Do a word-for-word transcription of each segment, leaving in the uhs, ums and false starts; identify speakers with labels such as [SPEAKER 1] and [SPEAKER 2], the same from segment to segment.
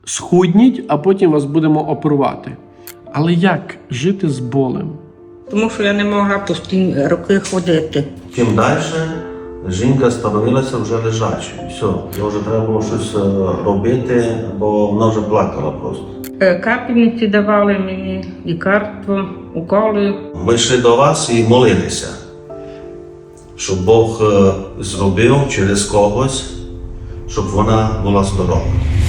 [SPEAKER 1] Схудніть, а потім вас будемо оперувати. Але як жити з болем?
[SPEAKER 2] Тому що я не могла постійні роки ходити.
[SPEAKER 3] Чим далі, жінка становилася вже лежачою. Все, їй вже треба було щось робити, бо вона вже плакала просто.
[SPEAKER 2] Капельниці давали мені, лікарство, уколи.
[SPEAKER 3] Ми йшли до вас і молилися, щоб Бог зробив через когось, щоб вона була здорова.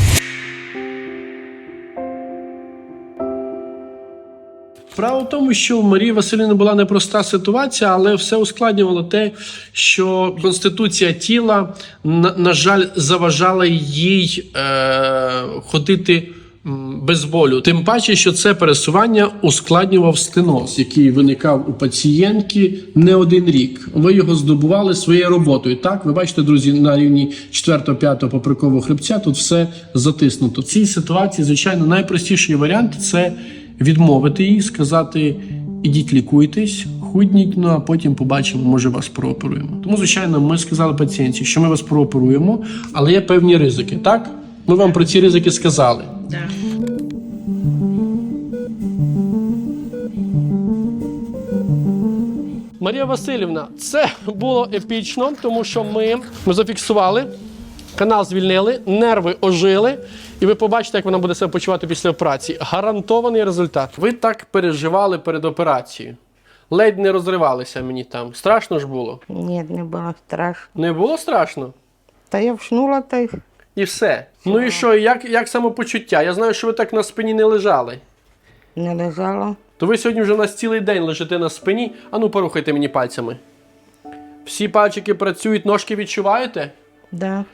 [SPEAKER 1] Справа в тому, що у Марії Василівни була непроста ситуація, але все ускладнювало те, що конституція тіла, на, на жаль, заважала їй е, ходити без болю. Тим паче, що це пересування ускладнював стеноз, який виникав у пацієнтки не один рік. Ви його здобували своєю роботою. Так, ви бачите, друзі, на рівні четвертого-п'ятого поперекового хребця тут все затиснуто. В цій ситуації, звичайно, найпростіший варіант – це відмовити їй, сказати, ідіть лікуйтесь, худніть, ну а потім побачимо, може вас прооперуємо. Тому, звичайно, ми сказали пацієнтці, що ми вас прооперуємо, але є певні ризики, так? Ми вам про ці ризики сказали.
[SPEAKER 2] Да.
[SPEAKER 1] Марія Василівна, це було епічно, тому що ми, ми зафіксували, канал звільнили, нерви ожили, і ви побачите, як вона буде себе почувати після операції. Гарантований результат. Ви так переживали перед операцією. Ледь не розривалися мені там. Страшно ж було?
[SPEAKER 2] Ні, не було страшно.
[SPEAKER 1] Не було страшно?
[SPEAKER 2] Та я вшнула та й
[SPEAKER 1] І все. Ну і що, як, як самопочуття? Я знаю, що ви так на спині не лежали.
[SPEAKER 2] не лежала.
[SPEAKER 1] То ви сьогодні вже у нас цілий день лежите на спині. Ану, порухайте мені пальцями. Всі пальчики працюють, ножки відчуваєте?
[SPEAKER 2] Да.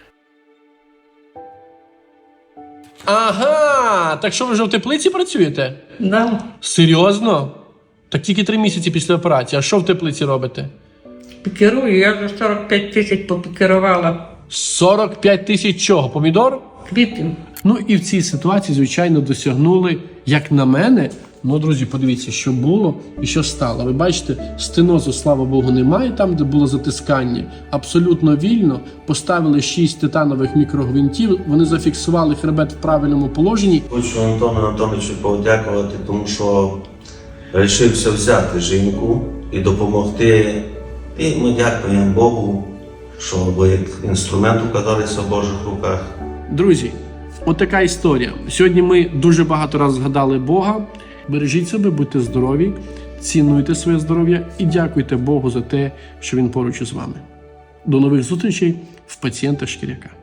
[SPEAKER 1] Ага, так що ви вже в теплиці працюєте?
[SPEAKER 2] Да.
[SPEAKER 1] Серйозно? Так тільки три місяці після операції. А що в теплиці робите?
[SPEAKER 2] Пікерую, я за сорок п'ять тисяч попікерувала.
[SPEAKER 1] сорок п'ять тисяч чого? Помідор?
[SPEAKER 2] Квітів.
[SPEAKER 1] Ну і в цій ситуації, звичайно, досягнули, як на мене, ну, друзі, подивіться, що було і що стало. Ви бачите, стенозу, слава Богу, немає там, де було затискання. Абсолютно вільно. Поставили шість титанових мікрогвинтів, вони зафіксували хребет в правильному положенні.
[SPEAKER 3] Хочу Антону Антоновичу подякувати, тому що вирішився взяти жінку і допомогти. І ми дякуємо Богу, що ви як інструмент оказалися в Божих руках.
[SPEAKER 1] Друзі, отака історія. Сьогодні ми дуже багато разів згадали Бога. Бережіть себе, будьте здорові, цінуйте своє здоров'я і дякуйте Богу за те, що Він поруч із вами. До нових зустрічей в пацієнта Шкіряка.